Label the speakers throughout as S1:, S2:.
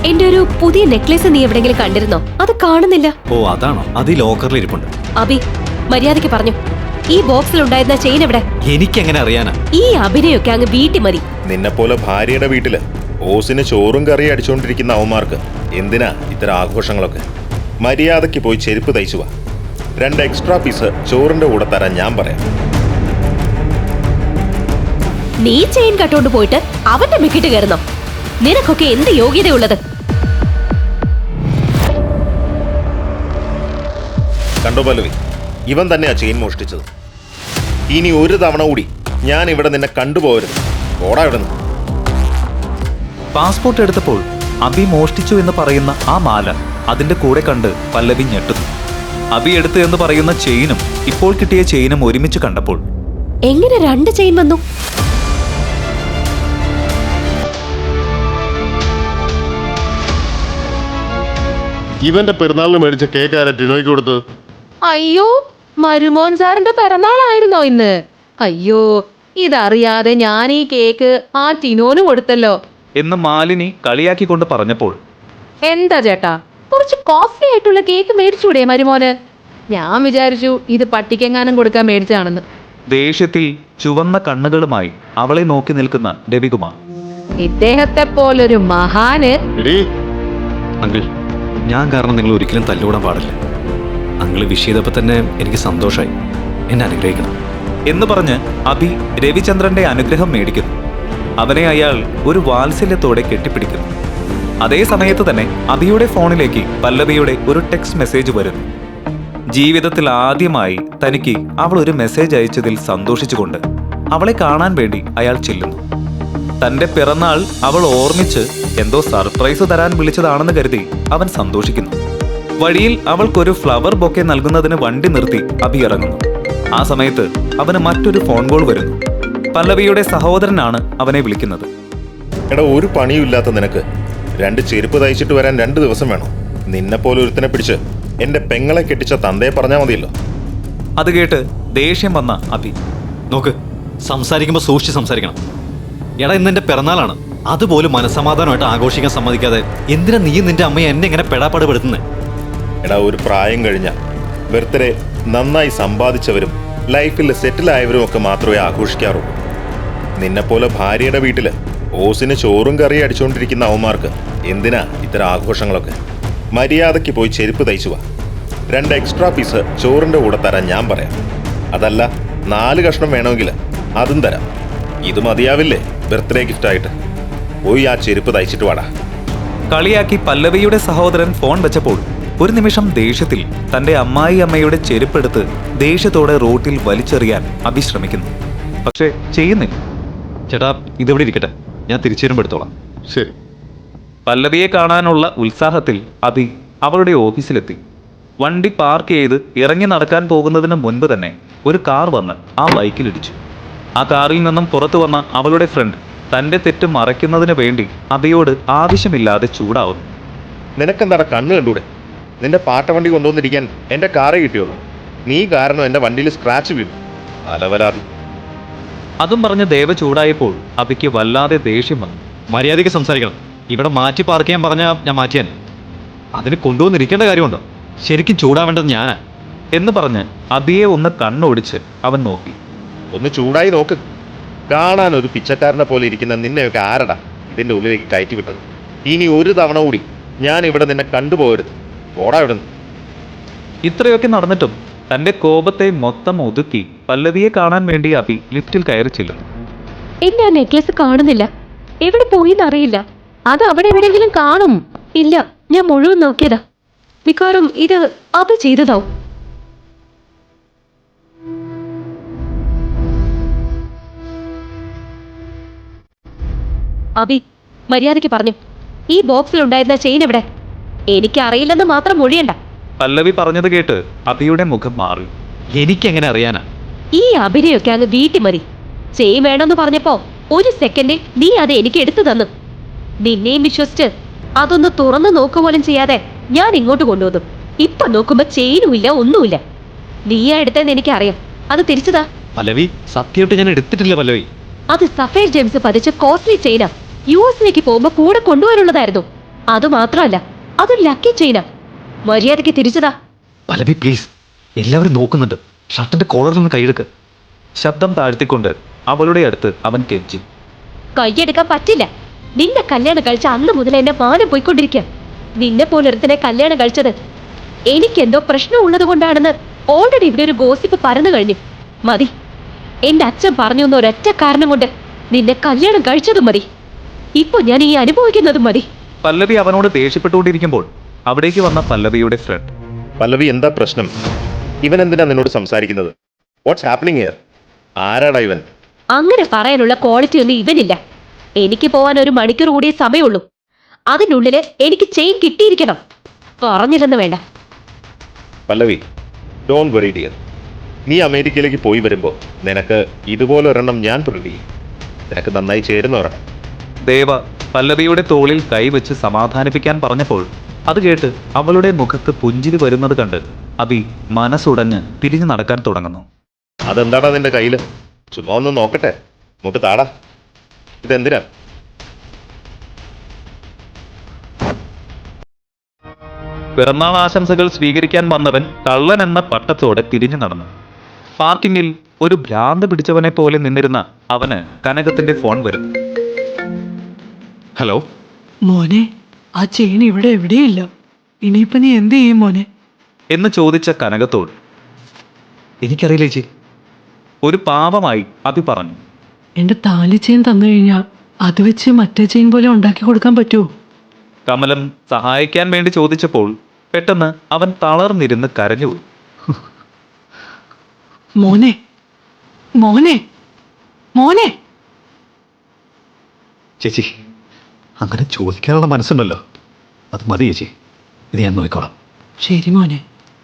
S1: എന്റെ ഒരു പുതിയ നെക്ലേസ് നീ എവിടെങ്കിലും കണ്ടിരുന്നോ? അത് കാണുന്നില്ല.
S2: ഓ അതാണോ? അത് ഈ ലോക്കറിൽ ഇരിപ്പുണ്ട്.
S1: അബി, മര്യാദയ്ക്ക് പറഞ്ഞു, ഈ ബോക്സിൽ ഉണ്ടായിരുന്ന ചെയിൻ എവിടെ?
S2: എനിക്കെങ്ങനെ അറിയാനാ?
S1: ഈ അഭിനയൊക്കെ അങ്ങ് വീട്ടിൽ മതി.
S3: നിന്നെപ്പോലെ ഭാര്യയുടെ വീട്ടില് ഓസിന് ചോറും കറിയും അടിച്ചുകൊണ്ടിരിക്കുന്ന അവന്മാർക്ക് എന്തിനാ ഇത്തരം ആഘോഷങ്ങളൊക്കെ? മര്യാദയ്ക്ക് പോയി ചെരുപ്പ് തയ്ച്ചു വാ. 2 എക്സ്ട്രാ പീസ് ചോറിന്റെ കൂടെ തരാൻ ഞാൻ പറയാം.
S1: നീ ചെയിൻ കട്ടോണ്ട് പോയിട്ട് അവന്റെ മിക്കിട്ട് കയറുന്നോ? നിനക്കൊക്കെ എന്ത് യോഗ്യതയുള്ളത്?
S3: കണ്ടോ പല്ലവി, ഇവൻ തന്നെയാ ചെയിൻ മോഷ്ടിച്ചത്. ഇനി ഒരു തവണ കൂടി ഞാൻ ഇവിടെ നിന്നെ കണ്ടുപോകരുത്. ഓടാ ഇവിടെ നിന്ന്.
S4: പാസ്പോർട്ട് എടുത്തപ്പോൾ അബി മോഷ്ടിച്ചു എന്ന് പറയുന്ന ആ മാല അതിന്റെ കൂടെ കണ്ട് പല്ലവി ഞെട്ടുന്നു. അബി എടുത്തു എന്ന് പറയുന്ന ചെയിനും ഇപ്പോൾ കിട്ടിയ ചെയിനും ഒരുമിച്ച് കണ്ടപ്പോൾ
S1: എങ്ങനെ 2 ചെയിൻ വന്നു?
S5: ഇവന്റെ പെരുന്നാളിന് മേടിച്ച കേക്ക് ആരാ ടിനോയ്ക്ക് കൊടുത്തത്?
S6: അയ്യോ, മരുമോൻ സാറിന്റെ പിറന്നാളായിരുന്നോ ഇന്ന്? അയ്യോ, ഇതറിയാതെ ഞാൻ ഈ കേക്ക് ആ ടിനോന് കൊടുത്തല്ലോ
S4: എന്ന് മാലിനി കളിയാക്കിക്കൊണ്ട് പറഞ്ഞപ്പോൾ
S6: എന്താ ചേട്ടാ, കുറച്ച് കോസ്റ്റ്ലി ആയിട്ടുള്ള കേക്ക് മേടിച്ചൂടെ മരുമോന്? ഞാൻ വിചാരിച്ചു ഇത് പട്ടിക്കെങ്ങാനും കൊടുക്കാൻ മേടിച്ചാണെന്ന്.
S4: ദേഷ്യത്തിൽ ചുവന്ന കണ്ണുകളുമായി അവളെ നോക്കി നിൽക്കുന്ന രവികുമാർ.
S6: ഇദ്ദേഹത്തെ പോലൊരു മഹാന്.
S2: അങ്കിൾ, ഞാൻ കാരണം നിങ്ങൾ ഒരിക്കലും തല്ലുകൂടാൻ പാടില്ല. അങ്കിള് വിഷയതപ്പോ തന്നെ എനിക്ക് സന്തോഷമായി. എന്നെ അനുഗ്രഹിക്കണം
S4: എന്ന് പറഞ്ഞ് അബി രവിചന്ദ്രന്റെ അനുഗ്രഹം മേടിക്കുന്നു. അവനെ അയാൾ ഒരു വാത്സല്യത്തോടെ കെട്ടിപ്പിടിക്കുന്നു. അതേ സമയത്ത് തന്നെ അബിയുടെ ഫോണിലേക്ക് പല്ലവിയുടെ ഒരു ടെക്സ്റ്റ് മെസ്സേജ് വരുന്നു. ജീവിതത്തിൽ ആദ്യമായി തനിക്ക് അവൾ ഒരു മെസ്സേജ് അയച്ചതിൽ സന്തോഷിച്ചുകൊണ്ട് അവളെ കാണാൻ വേണ്ടി അയാൾ ചെല്ലുന്നു. തന്റെ പിറന്നാൾ അവൾ ഓർമ്മിച്ച് എന്തോ സർപ്രൈസ് തരാൻ വിളിച്ചതാണെന്ന് കരുതി അവൻ സന്തോഷിക്കുന്നു. വഴിയിൽ അവൾക്കൊരു ഫ്ലവർ ബൊക്കെ നൽകുന്നതിന് വണ്ടി നിർത്തി അബി ഇറങ്ങുന്നു. ആ സമയത്ത് അവന് മറ്റൊരു ഫോൺ കോൾ വരുന്നു. പല്ലവിയുടെ സഹോദരനാണ് അവനെ വിളിക്കുന്നത്.
S3: എടാ, ഒരു പണിയുമില്ലാത്ത നിനക്ക് 2 ചെരുപ്പ് തയ്ച്ചിട്ട് വരാൻ 2 ദിവസം വേണം? നിന്നെപ്പോലെ ഒരുത്തനെ പിടിച്ച് എന്റെ പെങ്ങളെ കെട്ടിച്ച തന്തയെ പറഞ്ഞാൽ മതിയല്ലോ.
S4: അത് കേട്ട് ദേഷ്യം വന്ന അബി,
S2: നോക്ക്, സംസാരിക്കുമ്പോൾ സൂക്ഷിച്ച് സംസാരിക്കണം. എടാ, ഇന്ന് എന്റെ പിറന്നാളാണ്. അതുപോലും മനസ്സമാധാനമായിട്ട് ആഘോഷിക്കാൻ സമ്മതിക്കാതെ എന്തിനാ നീ നിന്റെ അമ്മയെ എന്നെ ഇങ്ങനെ പെടാപ്പാട് പെടുത്തുന്നത്?
S3: എടാ, ഒരു പ്രായം കഴിഞ്ഞ ബർത്ത്ഡേ നന്നായി സമ്പാദിച്ചവരും ലൈഫിൽ സെറ്റിലായവരും ഒക്കെ മാത്രമേ ആഘോഷിക്കാറുള്ളൂ. നിന്നെപ്പോലെ ഭാര്യയുടെ വീട്ടില് ഓസിന് ചോറും കറിയും അടിച്ചുകൊണ്ടിരിക്കുന്ന അവന്മാർക്ക് എന്തിനാ ഇത്തരം ആഘോഷങ്ങളൊക്കെ? മര്യാദയ്ക്ക് പോയി ചെരുപ്പ് തയ്ച്ചു വാ. 2 എക്സ്ട്രാ പീസ് ചോറിന്റെ കൂടെ തരാൻ ഞാൻ പറയാം. അതല്ല 4 കഷ്ണം വേണമെങ്കിൽ അതും തരാം. ഇത് മതിയാവില്ലേ ബർത്ത്ഡേ ഗിഫ്റ്റായിട്ട്? പോയി ആ ചെരുപ്പ് തയ്ച്ചിട്ട് വാടാ.
S4: കളിയാക്കി പല്ലവിയുടെ സഹോദരൻ ഫോൺ വെച്ചപ്പോൾ ഒരു നിമിഷം ദേഷ്യത്തിൽ തന്റെ അമ്മയുടെ ചെരുപ്പെടുത്ത് ദേഷ്യത്തോടെ റോട്ടിൽ വലിച്ചെറിയാൻ അബി ശ്രമിക്കുന്നു. പക്ഷേ ചെയ്യുന്നില്ല.
S2: ചേട്ടാ, ഇതിവിടെ ഇരിക്കട്ടെ, ഞാൻ തിരിച്ചു വരുമ്പോൾ എടുത്തോളാം.
S5: ശരി.
S4: പല്ലവിയെ കാണാനുള്ള ഉത്സാഹത്തിൽ അബി അവളുടെ ഓഫീസിലെത്തി. വണ്ടി പാർക്ക് ചെയ്ത് ഇറങ്ങി നടക്കാൻ പോകുന്നതിന് മുൻപ് തന്നെ ഒരു കാർ വന്ന് ആ ബൈക്കിലിടിച്ചു. ആ കാറിൽ നിന്നും പുറത്തു വന്ന അവളുടെ ഫ്രണ്ട് തന്റെ തെറ്റ് മറയ്ക്കുന്നതിന് വേണ്ടി അബിയോട് ആവശ്യമില്ലാതെ ചൂടാവുന്നു.
S3: നിനക്കെന്താടാ കണ്ണ് കണ്ടൂടെ? നിന്റെ പാട്ട വണ്ടി കൊണ്ടുവന്നിരിക്കാൻ എൻ്റെ കാറേ കിട്ടിയുള്ളൂ. നീ കാരണം എൻ്റെ വണ്ടിയിൽ സ്ക്രാച്ച് വീണു. അലവലാതി.
S4: അതും പറഞ്ഞ് ദേവ ചൂടായപ്പോൾ അബിക്ക് വല്ലാതെ ദേഷ്യം വന്നു.
S2: മര്യാദയ്ക്ക് സംസാരിക്കണം. ഇവിടെ മാറ്റി പാർക്ക് ചെയ്യാൻ പറഞ്ഞാൽ ഞാൻ മാറ്റിയാൻ. അതിന് കൊണ്ടുവന്നിരിക്കേണ്ട കാര്യമുണ്ടോ? ശരിക്കും ചൂടാവേണ്ടത് ഞാനാ
S4: എന്ന് പറഞ്ഞ് അബിയെ ഒന്ന് കണ്ണോടിച്ച് അവൻ നോക്കി.
S3: ഒന്ന് ചൂടായി നോക്ക്. കാണാൻ ഒരു പിച്ചക്കാരനെ പോലെ ഇരിക്കുന്ന നിന്നെയൊക്കെ ആരടാ ഇതിൻ്റെ ഉള്ളിലേക്ക് കയറ്റി വിട്ടത്? ഇനി ഒരു തവണ കൂടി ഞാൻ ഇവിടെ നിന്നെ കണ്ടുപോകരുത്. ഓടാ ഇവിടെ നിന്ന്.
S4: ഇത്രയൊക്കെ നടന്നിട്ടും തന്റെ കോപത്തെ മൊത്തം ഒതുക്കി പല്ലവിയെ കാണാൻ വേണ്ടി അബി ലിഫ്റ്റിൽ കയറി ചെല്ലുന്നു.
S1: എന്നെ ആ നെക്ലേസ് കാണുന്നില്ല. എവിടെ പോയിന്നറിയില്ല.
S6: അത് അവിടെ എവിടെയെങ്കിലും കാണും.
S1: ഇല്ല, ഞാൻ മുഴുവൻ നോക്കിയതാ. മിക്കവാറും ഇത് അത് ചെയ്തതാവും. അബി, മര്യാദയ്ക്ക് പറഞ്ഞു, ഈ ബോക്സിൽ ഉണ്ടായിരുന്ന ചെയിൻ എവിടെ? എനിക്കറിയില്ലെന്ന് മാത്രം മൊഴിയണ്ട.
S4: പല്ലവി പറഞ്ഞത് കേട്ട് അബിയുടെ മുഖം മാറി.
S2: എനിക്കെങ്ങനെ അറിയാനാ?
S1: ഈ അഭിനയൊക്കെ അങ്ങ് വീട്ടിൽ മതി. ചെയിൻ വേണമെന്ന് പറഞ്ഞപ്പോ 1 സെക്കൻഡിൽ നീ അത് എനിക്ക് എടുത്തു തന്നു. നിന്നെയും വിശ്വസിച്ച് അതൊന്ന് തുറന്നു നോക്കുപോലും ചെയ്യാതെ ഞാൻ ഇങ്ങോട്ട് കൊണ്ടുവന്നു. ഇപ്പൊ നോക്കുമ്പോ ചെയിനും ഇല്ല, ഒന്നുമില്ല. നീയാ എടുത്തെന്ന് എനിക്കറിയാം. അത് തിരിച്ചതാ.
S2: പല്ലവി, സത്യമായിട്ട് ഞാൻ എടുത്തിട്ടില്ല പല്ലവി.
S1: അത് സഫേർ ജെയിംസ് പതിച്ച കോസ്റ്റ്ലി ചെയിനാ. US-ലേക്ക് പോകുമ്പോ കൂടെ കൊണ്ടുപോകാനുള്ളതായിരുന്നു. അതുമാത്രമല്ല, അതൊരു ലക്കി ചെയിനാ. മര്യാദയ്ക്ക് തിരിച്ചതാ.
S2: പല്ലവി പ്ലീസ്, എല്ലാവരും നോക്കുന്നുണ്ട്. ഷർട്ടിന്റെ കോളറിൽ നിന്ന് കൈയെടുക്ക്.
S4: ശബ്ദം താഴ്ത്തിക്കൊണ്ട് അവളുടെ അടുത്ത് അവൻ കെഞ്ചി.
S1: കൈയെടുക്കാൻ പറ്റില്ല. നിന്നെ കല്യാണം കഴിച്ച അന്ന് മുതൽ എന്റെ മാനം പോയിക്കൊണ്ടിരിക്കുക. നിന്നെ പോലൊരുത്തനെ കല്യാണം കഴിച്ചത് എനിക്കെന്തോ പ്രശ്നമുള്ളത് കൊണ്ടാണെന്ന് ഓൾറെഡി ഇവിടെ ഒരു ഗോസിപ്പ് പരന്നു കഴിഞ്ഞു. മതി. എന്റെ അച്ഛൻ പറഞ്ഞു എന്ന ഒരൊറ്റ കാരണം കൊണ്ട് നിന്നെ കല്യാണം കഴിച്ചതും മതി. ഇപ്പൊ ഞാൻ ഈ അനുഭവിക്കുന്നതും മതി.
S4: പല്ലവി അവനോട് ദേഷ്യപ്പെട്ടുകൊണ്ടിരിക്കുമ്പോൾ അവിടേക്ക് വന്ന പല്ലവിയുടെ ഫ്രണ്ട്.
S3: പല്ലവി, എന്താ പ്രശ്നം? ഇവൻ എന്തിനാ നിന്നോട് സംസാരിക്കുന്നത്? What's happening here? ആരാടാ ഇവൻ?
S1: അങ്ങനെ പറയാനുള്ള ക്വാളിറ്റി ഒന്നും ഇവനില്ല. എനിക്ക് പോവാൻ 1 മണിക്കൂർ കൂടിയേ സമയമുള്ളൂ. അതിനുള്ളില് എനിക്ക് ചെയിൻ കിട്ടിയിരിക്കണം. പറഞ്ഞില്ലെന്ന് വേണ്ട.
S3: Pallavi, don't worry dear. നീ അമേരിക്കയിലേക്ക് പോയി വരുമ്പോൾ നിനക്ക് ഇതുപോലൊരെണ്ണം ഞാൻ പ്രതി. നിനക്ക് നന്നായി ചേരുന്ന ഒരെണ്ണം.
S4: ദേവ പല്ലവിയുടെ തോളിൽ കൈവച്ച് സമാധാനിപ്പിക്കാൻ പറഞ്ഞപ്പോൾ അത് കേട്ട് അവളുടെ മുഖത്ത് പുഞ്ചിരി വരുന്നത് കണ്ട് അബി മനസ്സുടഞ്ഞ് തിരിഞ്ഞു നടക്കാൻ തുടങ്ങുന്നു.
S3: അതെന്താടാ നിന്റെ കയ്യിൽ? ചുമ്മാ ഒന്ന് നോക്കട്ടെ. നമുക്ക് താടാ. ഇതെന്തിനാ?
S4: പിറന്നാൾ ആശംസകൾ സ്വീകരിക്കാൻ വന്നവൻ കള്ളൻ എന്ന പട്ടത്തോടെ തിരിഞ്ഞു നടന്നു. പാർക്കിങ്ങിൽ ഒരു ഭ്രാന്ത് പിടിച്ചവനെ പോലെ നിന്നിരുന്ന അവന് കനകത്തിന്റെ ഫോൺ വരും. ഹലോ
S7: മോനെ, ആ ചെയിൻ ഇവിടെ എവിടെയില്ല. ഇനിയിപ്പോ നീ എന്ത് ചെയ്യും മോനെ?
S4: എന്ന് ചോദിച്ച കനകത്തോട്
S2: എനിക്കറിയില്ല ചേച്ചി.
S4: ഒരു പാവമായി അബി പറഞ്ഞു.
S7: എന്റെ താലി ചെയിൻ തന്നു കഴിഞ്ഞാൽ അത് വെച്ച് മറ്റേ ചെയിൻ പോലെ ഉണ്ടാക്കി കൊടുക്കാൻ പറ്റുമോ?
S4: കമലം സഹായിക്കാൻ വേണ്ടി ചോദിച്ചപ്പോൾ പെട്ടെന്ന് അവൻ തളർന്നിരുന്ന് കരഞ്ഞുപോയി.
S7: മോനെ, മോനെ, മോനെ.
S2: ചേച്ചി, അങ്ങനെ ചോദിക്കാനുള്ള മനസ്സുണ്ടല്ലോ, അത് മതി ചേച്ചി. ഇത് ഞാൻ നോക്കിക്കോളാം.
S7: ശരി മോനെ.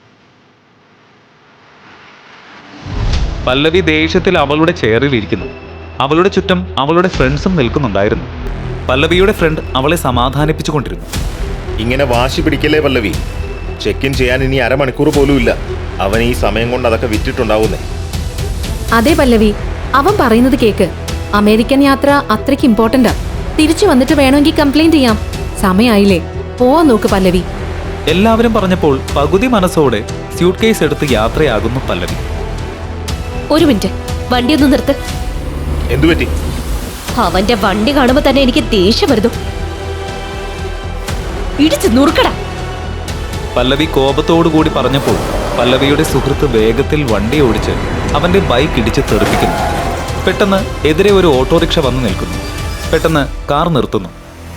S4: പല്ലവി ദേഷ്യത്തിൽ അവളുടെ ചെയറിൽ ഇരിക്കുന്നു. അവളുടെ ചുറ്റും അവളുടെ ഫ്രണ്ട്സും നിൽക്കുന്നുണ്ടായിരുന്നു. പല്ലവിയുടെ ഫ്രണ്ട് അവളെ സമാധാനിപ്പിച്ചു കൊണ്ടിരുന്നു.
S3: ഇങ്ങനെ വാശി പിടിക്കല്ലേ പല്ലവി. ചെക്ക് ഇൻ ചെയ്യാൻ ഇനി 1/2 മണിക്കൂർ പോലും ഇല്ല. അവൻ ഈ സമയം കൊണ്ട് അതൊക്കെ വിറ്റിട്ടുണ്ടാവുന്നേ.
S8: അതെ പല്ലവി, അവൻ പറയുന്നത് കേക്ക്. അമേരിക്കൻ യാത്ര അത്രയ്ക്ക് ഇമ്പോർട്ടന്റാ. തിരിച്ചു വന്നിട്ട് വേണമെങ്കിൽ കംപ്ലൈന്റ് ചെയ്യാം. സമയായില്ലേ, പോവാൻ നോക്ക് പല്ലവി.
S4: എല്ലാവരും പറഞ്ഞപ്പോൾ പകുതി മനസ്സോടെ സ്യൂട്ട് കേസ് എടുത്ത് യാത്രയാകുന്നു പല്ലവി.
S1: ഒരു മിനിറ്റ്, വണ്ടി ഒന്ന് നിർത്ത്.
S3: എന്തുപറ്റി?
S1: അവന്റെ വണ്ടി കാണുമ്പോ തന്നെ എനിക്ക് ദേഷ്യം വരുന്നു. ഇടിച്ച് നുറുക്കടാ.
S4: പല്ലവി കോപത്തോടു കൂടി പറഞ്ഞപ്പോൾ പല്ലവിയുടെ സുഹൃത്ത് വേഗത്തിൽ വണ്ടി ഓടിച്ച് അവന്റെ ബൈക്ക് ഇടിച്ച് തെറിപ്പിക്കുന്നു. പെട്ടെന്ന് എതിരെ ഒരു ഓട്ടോറിക്ഷ വന്നു നിൽക്കുന്നു. പെട്ടെന്ന് കാർ നിർത്തുന്നു.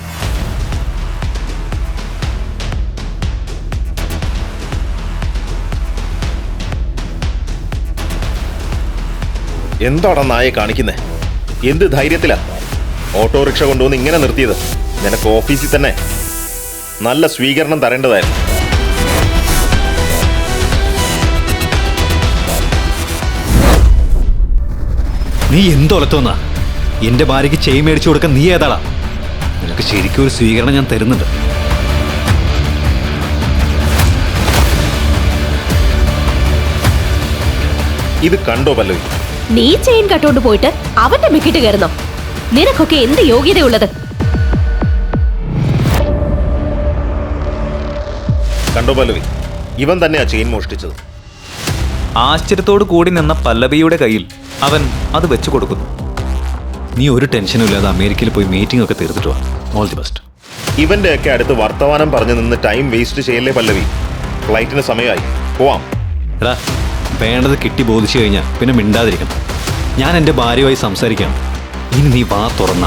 S3: എന്താടാ നായെ കാണിക്കുന്നേ? എന്ത് ധൈര്യത്തിലാ ഓട്ടോറിക്ഷ കൊണ്ടുവന്ന് ഇങ്ങനെ നിർത്തിയത്? നിനക്ക് ഓഫീസിൽ തന്നെ നല്ല സ്വീകരണം തരേണ്ടതായിരുന്നു.
S2: നീ എന്തൊലത്തോന്നാ? എന്റെ ഭാര്യയ്ക്ക് ചെയിൻ മേടിച്ചു കൊടുക്കാൻ നീ ഏതാളാ? നിനക്ക് ശരിക്കും ഒരു സ്വീകരണം ഞാൻ തരുന്നുണ്ട്.
S3: ഇത് കണ്ടോ പല്ലവി?
S1: നീ ചെയിൻ കട്ടോണ്ട് പോയിട്ട് അവന്റെ മിക്കിട്ട് കയറുന്നോ? നിനക്കൊക്കെ എന്ത് യോഗ്യതയുള്ളത്?
S3: കണ്ടോ പല്ലവി? ഇവൻ തന്നെയാ ചെയിൻ മോഷ്ടിച്ചത്.
S4: ആശ്ചര്യത്തോടു കൂടി നിന്ന പല്ലവിയുടെ കയ്യിൽ അവൻ അത് വെച്ചു കൊടുക്കുന്നു.
S2: നീ ഒരു ടെൻഷനും ഇല്ലാതെ അമേരിക്കയിൽ പോയി മീറ്റിംഗ് ഒക്കെ തീർത്തിട്ട് വാ. All the best.
S3: ഇവന്റെ ഒക്കെ അടുത്ത് വർത്തമാനം പറഞ്ഞു നിന്ന് ടൈം വേസ്റ്റ് ചെയ്യല്ലേ പല്ലവി. ഫ്ലൈറ്റിന് സമയമായി, പോവാം.
S2: എടാ, വേണ്ടത് കിട്ടി ബോധിച്ചു കഴിഞ്ഞാൽ പിന്നെ മിണ്ടാതിരിക്കണം. ഞാൻ എൻ്റെ ഭാര്യയുമായി സംസാരിക്കാം. ഇനി നീ വാ തുറന്ന.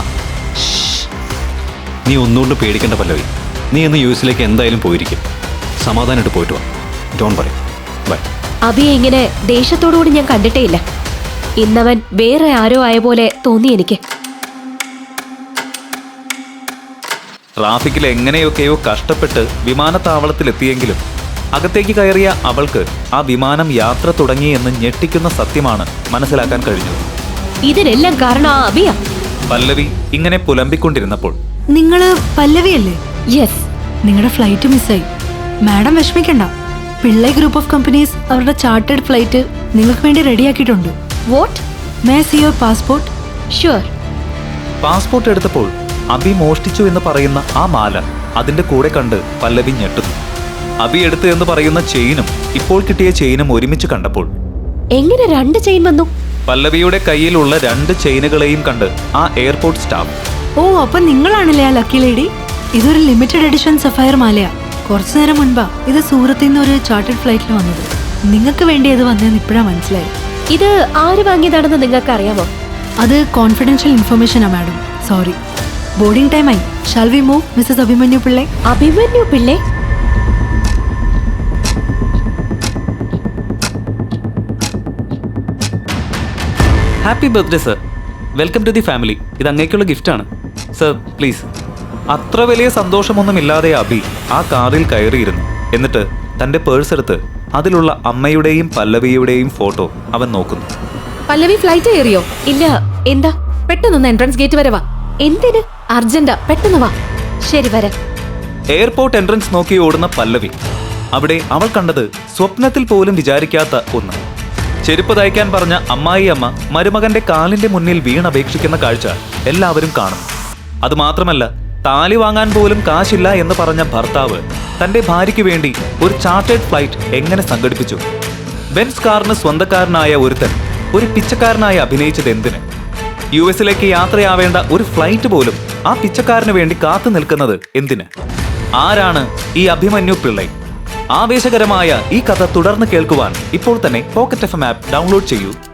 S2: നീ ഒന്നുകൊണ്ട് പേടിക്കേണ്ട പല്ലവി. നീ ഇന്ന് യുഎസിലേക്ക് എന്തായാലും പോയിരിക്കും. സമാധാനമായിട്ട് പോയിട്ട് വാ. Don't worry. ബൈ.
S1: അബിയെ ഇങ്ങനെ ദേഷ്യത്തോടുകൂടി ഞാൻ കണ്ടിട്ടേ ഇല്ല. ഇന്നവൻ വേറെ ആരോ ആയ പോലെ തോന്നി എനിക്ക്.
S4: ട്രാഫിക്കിൽ എങ്ങനെയൊക്കെയോ കഷ്ടപ്പെട്ട് വിമാനത്താവളത്തിലെത്തിയെങ്കിലും അകത്തേക്ക് കയറിയ അവൾക്ക് ആ വിമാനം യാത്ര തുടങ്ങിയെന്ന് ഞെട്ടിക്കുന്ന സത്യമാണ് മനസ്സിലാക്കാൻ കഴിഞ്ഞത്.
S1: ഇതിനെല്ലാം കാരണം ആ അബിയ.
S4: പല്ലവി ഇങ്ങനെ പുലമ്പിക്കൊണ്ടിരുന്നപ്പോൾ
S7: നിങ്ങള് പല്ലവിയല്ലേ?
S1: യെസ്.
S7: നിങ്ങളുടെ ഫ്ലൈറ്റ് മിസ്സായി. മാഡം വിഷമിക്കണ്ട. പിള്ളൈ ഗ്രൂപ്പ് ഓഫ് കമ്പനീസ് അവരുടെ ചാർട്ടേഡ് ഫ്ലൈറ്റ് നിങ്ങൾക്ക് വേണ്ടി റെഡിയാക്കിയിട്ടുണ്ട്.
S1: What?
S7: May see your passport?
S1: Sure.
S4: Passport എടുത്തപ്പോൾ അബി മോഷ്ടിച്ചു എന്ന് പറയുന്ന ആ മാല അതിന്റെ കൂടെ കണ്ട് പല്ലവി ഞെട്ടുന്നു. അബി എടുത്ത് എന്ന് പറയുന്ന ചെയിനും ഇപ്പോൾ കിട്ടിയ ചെയിനും ഒരുമിച്ച് കണ്ടപ്പോൾ
S1: എങ്ങനെ 2 ചെയിൻ വന്നു?
S4: പല്ലവിയുടെ കയ്യിലുള്ള 2 ചെയിനുകളെയും കണ്ട് ആ എയർപോർട്ട് സ്റ്റാഫ്
S7: ഓ അപ്പൊ നിങ്ങളാണല്ലേ ആ ലക്കി ലേഡി? ഇതൊരു ലിമിറ്റഡ് എഡിഷൻ സഫയർ മാലയാ. കുറച്ചു നേരം മുൻപാ ഇത് സൂറത്തിൽ നിന്ന് ഒരു ചാർട്ടേഡ് ഫ്ലൈറ്റിൽ വന്നത്. നിങ്ങൾക്ക് വേണ്ടി അത് വന്നതെന്ന് ഇപ്പോഴാ മനസ്സിലായി.
S1: ഇത് ആര് വാങ്ങിയതാണെന്ന് നിങ്ങൾക്ക് അറിയാമോ?
S7: അത് കോൺഫിഡൻഷ്യൽ ഇൻഫർമേഷനാ മാഡം. സോറി. ബോർഡിംഗ് ടൈം ആയി. Shall we move Mrs Abhimanyu Pillai?
S1: Abhimanyu Pillai?
S4: Happy birthday sir, welcome to the family. ഇത് അങ്ങേക്കുള്ള ഗിഫ്റ്റാണ് സർ, പ്ലീസ്. അത്ര വലിയ സന്തോഷമൊന്നുമില്ലാതെ അബി ആ കാറിൽ കയറിയിരുന്നു. എന്നിട്ട് തന്റെ പേഴ്സ് എടുത്ത് അതിലുള്ള അമ്മയുടെയും പല്ലവിയുടെയും ഫോട്ടോ അവൻ നോക്കുന്നു.
S8: പല്ലവി ഫ്ലൈറ്റ് കയറിയോ?
S1: ഇല്ല. എന്താ?
S8: പെട്ടെന്നൊന്ന് എൻട്രൻസ് ഗേറ്റ് വരെ വാ.
S1: എന്തിന്?
S8: അർജന്റാ, പെട്ടെന്ന് വാ.
S1: ശരി, വരാം.
S4: എയർപോർട്ട് എൻട്രൻസ് നോക്കി ഓടുന്ന പല്ലവി. അവിടെ അവൾ കണ്ടത് സ്വപ്നത്തിൽ പോലും വിചാരിക്കാത്ത ഒന്ന്. ചെരുപ്പ് തയ്ക്കാൻ പറഞ്ഞ അമ്മായി അമ്മ മരുമകന്റെ കാലിന്റെ മുന്നിൽ വീണപേക്ഷിക്കുന്ന കാഴ്ച എല്ലാവരും കാണുന്നു. അതുമാത്രമല്ല, താലി വാങ്ങാൻ പോലും കാശില്ല എന്ന് പറഞ്ഞ ഭർത്താവ് തന്റെ ഭാര്യയ്ക്ക് വേണ്ടി ഒരു ചാർട്ടേഡ് ഫ്ലൈറ്റ് എങ്ങനെ സംഘടിപ്പിച്ചു? ബെൻസ് കാറിന് സ്വന്തക്കാരനായ ഒരുത്തൻ ഒരു പിച്ചക്കാരനായി അഭിനയിച്ചത് എന്തിന്? US-ലേക്ക് യാത്രയാവേണ്ട ഒരു ഫ്ലൈറ്റ് പോലും ആ പിച്ചക്കാരന് വേണ്ടി കാത്തു നിൽക്കുന്നത് എന്തിന്? ആരാണ് ഈ അഭിമന്യു പിള്ളൈ? ആവേശകരമായ ഈ കഥ തുടർന്ന് കേൾക്കുവാൻ ഇപ്പോൾ തന്നെ പോക്കറ്റ് FM ആപ്പ് ഡൗൺലോഡ് ചെയ്യൂ.